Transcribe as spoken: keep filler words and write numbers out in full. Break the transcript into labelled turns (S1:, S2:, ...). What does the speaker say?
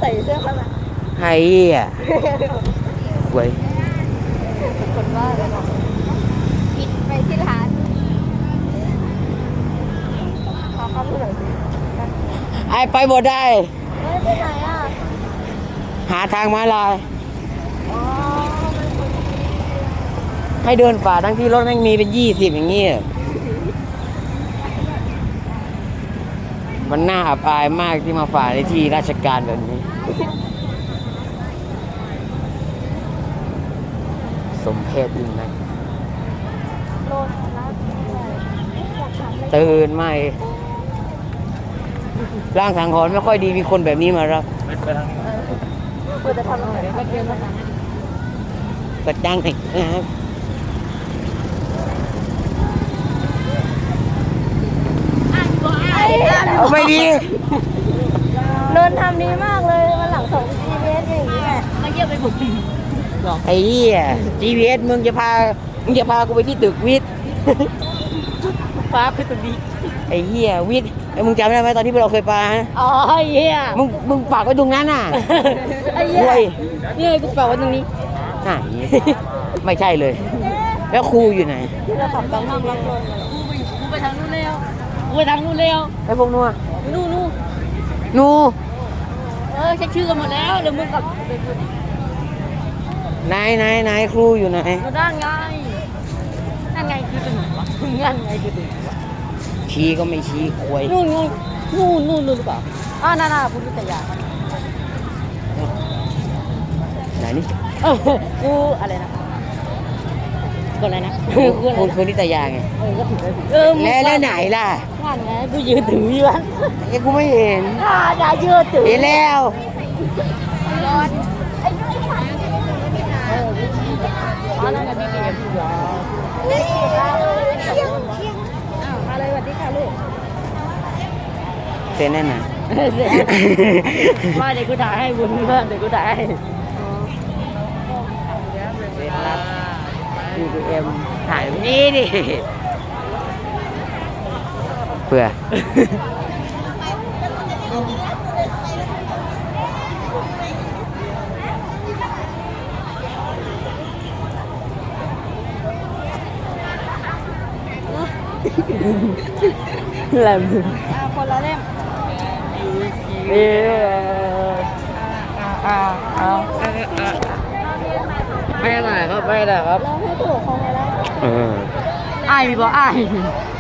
S1: ส่เสื้อขนาด
S2: ไอ้อ่ะเว้ย
S1: คนว่าเลยบอกผิดไปที่ร้านขอเข้าไปหน่อยสิ
S2: ไอ้ไปบ่ได้
S1: เฮ้ยไปไหนอ่ะ
S2: หาทางม้าลาย
S1: อ๋อ
S2: ให้เดินฝ่าทั้งที่รถแม่งมีเป็นยี่สิบอย่างงี้มันน่าอับอายมากที่มาฝ่าในที่ราชการแบบนี้สมเพชยิ่งนัก
S1: โลดนะ
S2: ตื่นไม่ร่างสังหรณ์ไม่ค่อยดีมีคนแบบนี้มารับ
S1: ไปทางนี้เพื่อจะทำอะไรก็เดินมาทางนี้
S2: ก็จ้างให้นะครับไม่ดี
S1: เดินทำดีมากเลยวันหลังส่ง จี พี เอส อย่างนี้แหละมาเยี่ยมไปบุก
S2: ไอ้เหี้ย จี พี เอส มึงจะพามึงจะพากูไปที่ตึกวิทย์
S1: ฟ้าคือตึกดี
S2: ไอ้เหี้ยวิทย์ไอ้มึงจำได้ไหมตอนที่เราเคยไปฮะ
S1: อ๋อไอ้เหี้ย
S2: มึงมึงฝากไว้ตรงนั้นน่ะ
S1: ไอ้เหี้ยนี่กูฝากไว้ตรงนี้
S2: อ่ะไม่ใช่เลยแล้วครูอยู่ไหน
S1: เราขับตามทางลังลงกูไปทางนู้นแล้วกูไปทางนู้นแล้ว
S2: ไอ้พวกนู้น
S1: นู่นนู่น
S2: นู่น
S1: เออเช็คชื่อกันหมดแล้วเดี๋ยวมึงกับ
S2: นายนายนายครูอยู่ไหน
S1: ด้านไงนั่นไงคือตึงวะนั่นไงคือตึงวะ
S2: ชี้ก็ไม่ชี้ควย
S1: นู่นนู่นนู่นนู่นหรือเปล่าอ่าน่าน่าพุทธิยา
S2: ไหนนี่
S1: เออกูอะไรนะกูอะไรนะ
S2: คุณคุณนิตยาไง
S1: เออก็ผิดเลย
S2: เออแล้วแล้วไหนล่ะ
S1: นั่นไงกูยืนถืออยู่วัน
S2: ไอ้กูไม่เห็น
S1: อ่าอย่ายืนถือ
S2: เห็นแล้ว
S1: ร้อนไอ้ด้วยค่ะเอออ๋อนั่นไงพี่เกียรติอยู่เชียงเชียงอ้าวมาเลยสวัสดีค่ะลูก
S2: เซ็นแน่นอน
S1: มาเดี๋ยวกูถ่ายให้บุญเพื่อนเดี๋ยวกูถ่ายให้
S2: เซ็นรับ พี ที เอ็ม ถ่ายนี่ดิเพื่อแหลม
S1: คนละเล่ม
S2: เอออ่าอ่าไม่ได้ครับไม่ได้ครับ
S1: เราให้ถูกของไปแล้ว
S2: เออ
S1: ไอ้พี่บอกไอ้